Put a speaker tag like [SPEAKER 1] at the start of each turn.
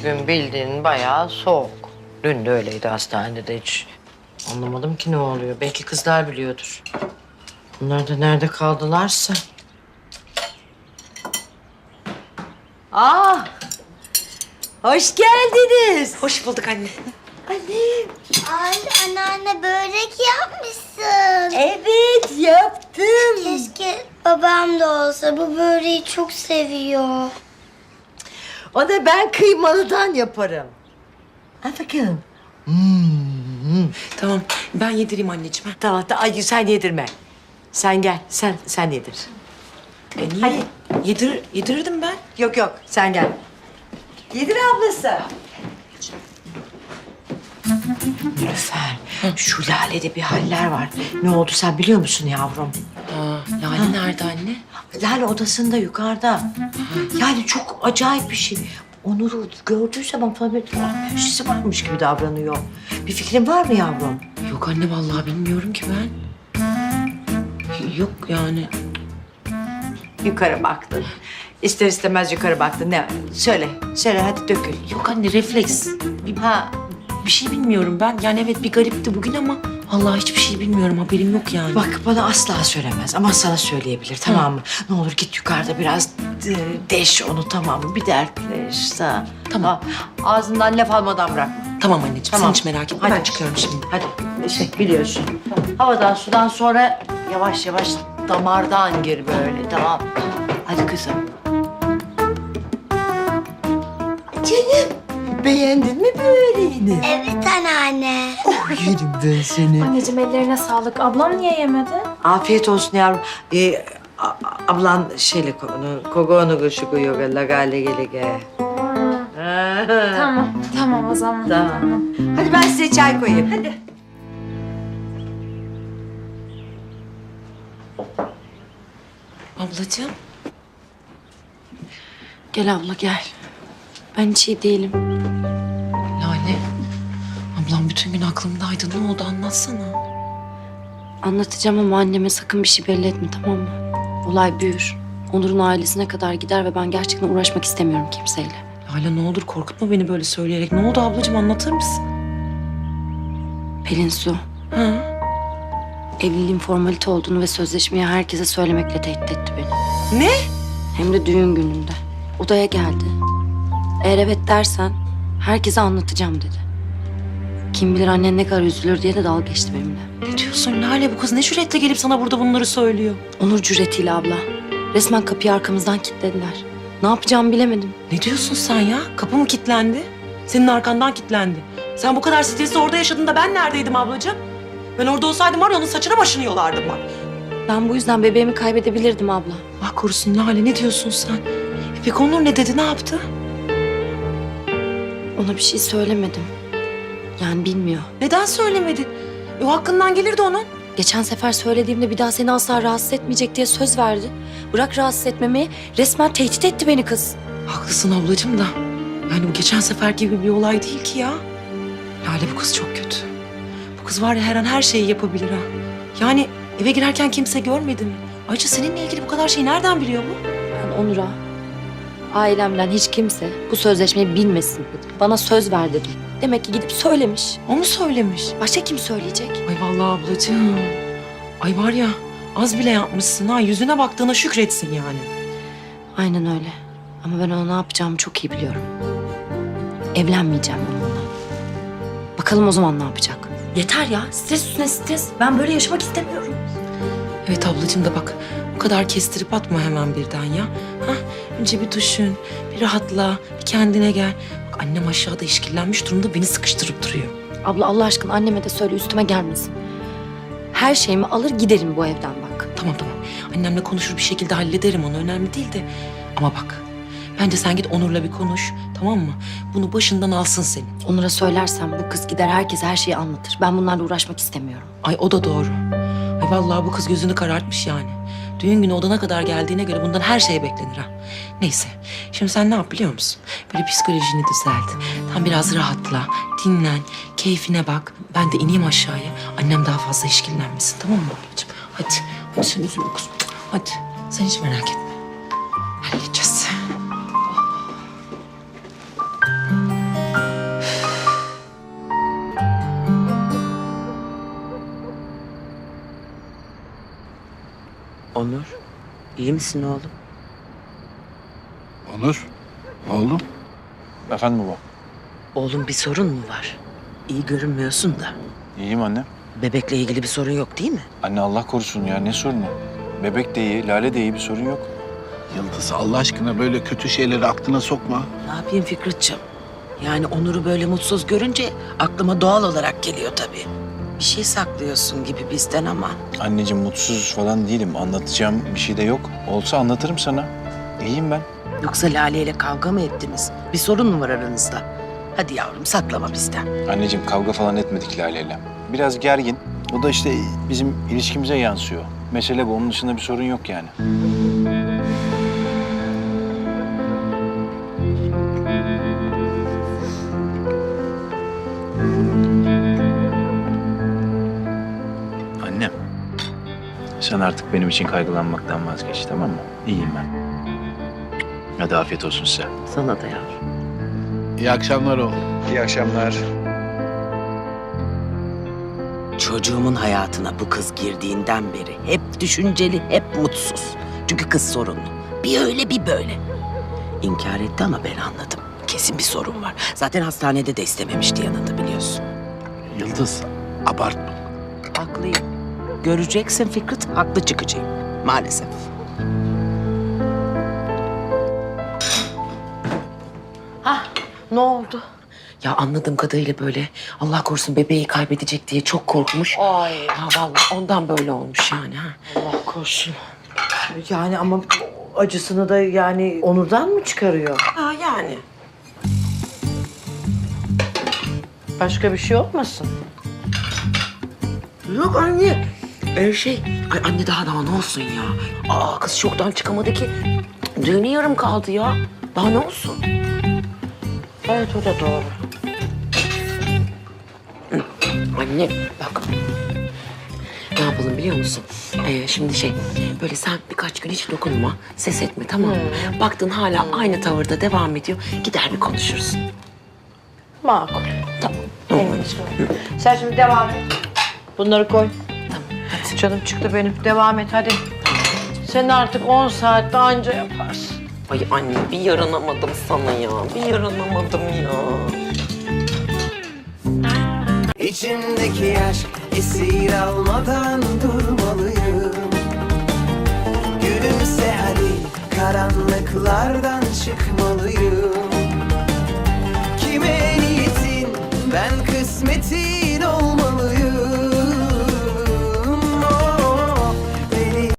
[SPEAKER 1] bugün bildiğin bayağı soğuk. Dün de öyleydi hastanede de hiç. Anlamadım ki ne oluyor. Belki kızlar biliyordur. Bunlar da nerede kaldılarsa. Ah! Hoş geldiniz.
[SPEAKER 2] Hoş bulduk anne.
[SPEAKER 1] Annem.
[SPEAKER 3] Ay anneanne börek yapmışsın.
[SPEAKER 1] Evet yaptım.
[SPEAKER 3] Keşke babam da olsa, bu böreği çok seviyor.
[SPEAKER 1] O da ben kıymalıdan yaparım. Al bakalım.
[SPEAKER 2] Tamam ben yedireyim anneciğim. Ha.
[SPEAKER 1] Tamam, ay sen yedirme. Sen gel, sen yedir.
[SPEAKER 2] Niye? Yedirirdim ben.
[SPEAKER 1] Yok yok, sen gel. Yedir ablası. Nilüfer, şu Lale'de bir haller var. Ne oldu sen biliyor musun yavrum?
[SPEAKER 2] Lale nerede anne?
[SPEAKER 1] Lale odasında yukarıda. Yani çok acayip bir şey. Onur'u gördüğü zaman tabii bir şeysi varmış gibi davranıyor. Bir fikrin var mı yavrum?
[SPEAKER 2] Yok anne vallahi bilmiyorum ki ben. Yok yani.
[SPEAKER 1] Yukarı baktın. İster istemez yukarı baktın. Ne? Söyle hadi dökül.
[SPEAKER 2] Yok anne refleks.
[SPEAKER 1] Ha,
[SPEAKER 2] Bir şey bilmiyorum ben. Yani evet bir garipti bugün ama vallahi hiçbir şey bilmiyorum. Haberim yok yani.
[SPEAKER 1] bak bana asla söylemez ama sana söyleyebilir tamam mı? Ne olur git yukarıda biraz deş onu tamam mı? Bir dertleş.
[SPEAKER 2] Tamam.
[SPEAKER 1] Ağzından laf almadan bırakma.
[SPEAKER 2] Tamam anneciğim
[SPEAKER 1] Tamam.
[SPEAKER 2] sen hiç merak etme.
[SPEAKER 1] Hadi.
[SPEAKER 2] Ben çıkıyorum şimdi.
[SPEAKER 1] Hadi biliyorsun. Havadan sudan sonra yavaş yavaş damardan gir böyle tamam. Hadi kızım. Canım beğendin mi böreğini?
[SPEAKER 3] Evet anneanne.
[SPEAKER 1] Yerim ben seni.
[SPEAKER 4] Anneciğim ellerine sağlık. Ablam niye yemedi?
[SPEAKER 1] Afiyet olsun yavrum. Ablan şeyle kogoğunu kuşukuyor lagale gelege.
[SPEAKER 4] Tamam o zaman.
[SPEAKER 1] Tamam. Hadi ben size çay koyayım. Hadi.
[SPEAKER 2] Ablacığım.
[SPEAKER 4] Gel abla gel. Ben hiç iyi değilim.
[SPEAKER 2] Lale. Ablam bütün gün aklımdaydı. Ne oldu anlatsana.
[SPEAKER 4] Anlatacağım ama anneme sakın bir şey belli etme tamam mı? Olay büyür. Onur'un ailesine kadar gider ve ben gerçekten uğraşmak istemiyorum kimseyle.
[SPEAKER 2] Lale ne olur korkutma beni böyle söyleyerek. Ne oldu ablacığım anlatır mısın?
[SPEAKER 4] Pelin Su,
[SPEAKER 2] Ha?
[SPEAKER 4] evliliğin formalite olduğunu ve sözleşmeyi herkese söylemekle tehdit etti beni.
[SPEAKER 2] Ne?
[SPEAKER 4] Hem de düğün gününde. Odaya geldi. Eğer evet dersen herkese anlatacağım dedi. Kim bilir annen ne kadar üzülür diye de dalga geçti benimle.
[SPEAKER 2] Ne diyorsun Lale? Bu kız ne cüretle gelip sana burada bunları söylüyor?
[SPEAKER 4] Onur cüretiyle abla. Resmen kapıyı arkamızdan kilitlediler. Ne yapacağımı bilemedim.
[SPEAKER 2] Ne diyorsun sen ya? Kapı mı kilitlendi? Senin arkandan kilitlendi. Sen bu kadar stresi orada yaşadığında ben neredeydim ablacığım? Ben orada olsaydım var ya onun saçına başını yolardım bak.
[SPEAKER 4] Ben bu yüzden bebeğimi kaybedebilirdim abla.
[SPEAKER 2] Allah korusun Lale ne diyorsun sen? Peki Onur ne dedi ne yaptı?
[SPEAKER 4] Ona bir şey söylemedim. Yani bilmiyor.
[SPEAKER 2] Neden söylemedi? O hakkından gelirdi onun.
[SPEAKER 4] Geçen sefer söylediğimde bir daha seni asla rahatsız etmeyecek diye söz verdi. Bırak rahatsız etmemeyi, resmen tehdit etti beni kız.
[SPEAKER 2] Haklısın ablacığım da. Yani bu geçen sefer gibi bir olay değil ki ya. Lale bu kız çok kötü. Bu kız var ya her an her şeyi yapabilir ha. Yani eve girerken kimse görmedi mi? Ayrıca seninle ilgili bu kadar şeyi nereden biliyor bu?
[SPEAKER 4] Ben Onur'a, ailemden hiç kimse bu sözleşmeyi bilmesin dedim. Bana söz ver dedim. Demek ki gidip söylemiş.
[SPEAKER 2] O mu söylemiş?
[SPEAKER 4] Başka kim söyleyecek?
[SPEAKER 2] Ay vallahi ablacığım. Ay var ya az bile yapmışsın ha. Yüzüne baktığına şükretsin yani.
[SPEAKER 4] Aynen öyle. Ama ben ona ne yapacağımı çok iyi biliyorum. Evlenmeyeceğim onunla. Bakalım o zaman ne yapacak? Yeter ya. Stres üstüne stres. Ben böyle yaşamak istemiyorum.
[SPEAKER 2] Evet ablacığım da bak bu kadar kestirip atma hemen birden ya. Hah, önce bir düşün, bir rahatla, bir kendine gel. Bak annem aşağıda işkillenmiş durumda beni sıkıştırıp duruyor.
[SPEAKER 4] Abla Allah aşkına anneme de söyle üstüme gelmesin. Her şeyimi alır giderim bu evden bak.
[SPEAKER 2] Tamam. Annemle konuşur bir şekilde hallederim onu önemli değil de. Ama bak bence sen git Onur'la bir konuş tamam mı? Bunu başından alsın senin.
[SPEAKER 4] Onur'a söylersem bu kız gider herkese her şeyi anlatır. Ben bunlarla uğraşmak istemiyorum.
[SPEAKER 2] Ay o da doğru. Ay vallahi bu kız gözünü karartmış yani. Düğün günü odana kadar geldiğine göre bundan her şey beklenir ha. Neyse şimdi sen ne yap biliyor musun? Böyle psikolojini düzelt. Tam biraz rahatla, dinlen, keyfine bak. Ben de ineyim aşağıya. Annem daha fazla işkillenmesin tamam mı ablacığım? Hadi sen üzülme kızım. Hadi sen hiç merak etme. Halledeceğiz.
[SPEAKER 1] Onur, iyi misin oğlum?
[SPEAKER 5] Onur, oğlum.
[SPEAKER 6] Efendim baba.
[SPEAKER 1] Oğlum bir sorun mu var? İyi görünmüyorsun da.
[SPEAKER 6] İyiyim anne.
[SPEAKER 1] Bebekle ilgili bir sorun yok değil mi?
[SPEAKER 6] Anne Allah korusun ya ne sorunu? Bebek de iyi, Lale de iyi bir sorun yok.
[SPEAKER 5] Yıldız Allah aşkına böyle kötü şeyleri aklına sokma.
[SPEAKER 2] Ne yapayım Fikretciğim? Yani Onur'u böyle mutsuz görünce aklıma doğal olarak geliyor tabii. Bir şey saklıyorsun gibi bizden ama.
[SPEAKER 6] Anneciğim mutsuz falan değilim. Anlatacağım bir şey de yok. Olsa anlatırım sana. İyiyim ben.
[SPEAKER 2] Yoksa Lale ile kavga mı ettiniz? Bir sorun mu var aranızda? Hadi yavrum saklama bizden.
[SPEAKER 6] Anneciğim kavga falan etmedik Lale'yle. Biraz gergin. O da işte bizim ilişkimize yansıyor. Mesele bu. Onun dışında bir sorun yok yani. Annem. Sen artık benim için kaygılanmaktan vazgeç, tamam mı? İyiyim ben. Hadi afiyet olsun size.
[SPEAKER 2] Sana da yavrum.
[SPEAKER 5] İyi akşamlar oğlum.
[SPEAKER 6] İyi akşamlar.
[SPEAKER 2] Çocuğumun hayatına bu kız girdiğinden beri hep düşünceli, hep mutsuz. Çünkü kız sorunlu. Bir öyle bir böyle. İnkar etti ama ben anladım. Kesin bir sorun var. Zaten hastanede de istememişti yanında biliyorsun.
[SPEAKER 5] Yıldız, abartma.
[SPEAKER 2] Haklıyım. Göreceksin Fikret, haklı çıkacağım. Maalesef.
[SPEAKER 1] Ne oldu?
[SPEAKER 2] Ya anladığım kadarıyla böyle Allah korusun bebeği kaybedecek diye çok korkmuş.
[SPEAKER 1] Ay
[SPEAKER 2] Ya vallahi ondan böyle olmuş yani. Ha.
[SPEAKER 1] Allah korusun. Yani ama acısını da yani Onur'dan mı çıkarıyor?
[SPEAKER 2] Ha yani.
[SPEAKER 1] Başka bir şey olmasın?
[SPEAKER 2] Yok anne. Ay anne daha ne olsun ya? Aa kız şoktan çıkamadı ki. Düğünü yarım kaldı ya. Daha ne olsun?
[SPEAKER 1] Evet o da doğru.
[SPEAKER 2] Anne bak. Ne yapalım biliyor musun? Şimdi böyle sen birkaç gün hiç dokunma, ses etme tamam mı? Baktın hala aynı tavırda devam ediyor. Gider bir konuşursun.
[SPEAKER 1] Makul.
[SPEAKER 2] Tamam.
[SPEAKER 1] Sen şimdi devam et. Bunları koy.
[SPEAKER 2] Tamam hadi.
[SPEAKER 1] Canım çıktı benim. Devam et hadi. Sen artık 10 saatte anca yaparsın.
[SPEAKER 2] Ay anne bir yaranamadım sana ya. Bir yaranamadım ya.
[SPEAKER 7] İçimdeki aşk esir almadan durmalıyım. Gülümse hadi karanlıklardan çıkmalıyım. Kime niyetin ben kısmetin